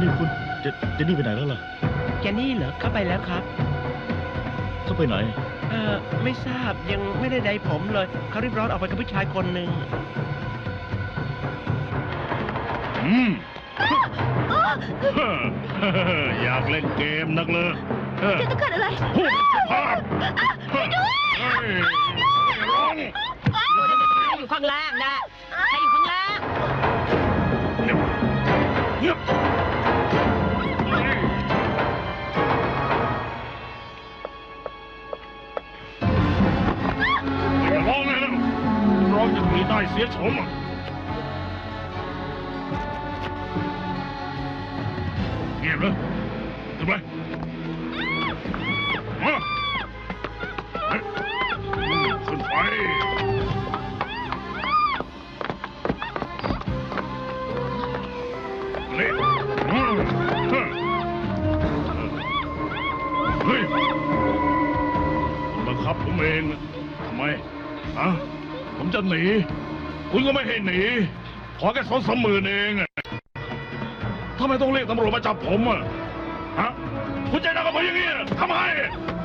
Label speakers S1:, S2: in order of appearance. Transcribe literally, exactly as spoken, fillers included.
S1: นี่คุณเจเจนนี่ไปไหนแล้วล่ะ
S2: แกนี่เหรอเข้าไปแล้วครับ
S1: เขาไปไหน
S2: เออไม่ทราบยังไม่ได้ใดผมเลยเขารีบร้อนออกไปกับผู้ชายคนหนึ่ง
S3: อืม อยากเล่นเกมนักเลยเออ
S4: จะเกิดอะไร
S3: พูดสุภาพเฮ้ยร้อง
S4: อยู่ข้างล่างนะใครอยู่ข้างล่าง
S3: เงียบเงียบเฮ้ยอย่าร้องเลยนะร้องจะมีได้เสียชมอ่ะเงียบเลยทำไมมาเฮ้ยขึ้นไปนี่อืมเฮ้ยเฮ้ยคุณบังคับผมเองอะทำไมอะผมจะหนี คุณก็ไม่ให้หนี ขอแค่สองสามหมื่นเองอะทำไมต้องเรียกตำรวจมาจับผมอะฮะคุณใจดำกับผมอย่างนี้อะทำไม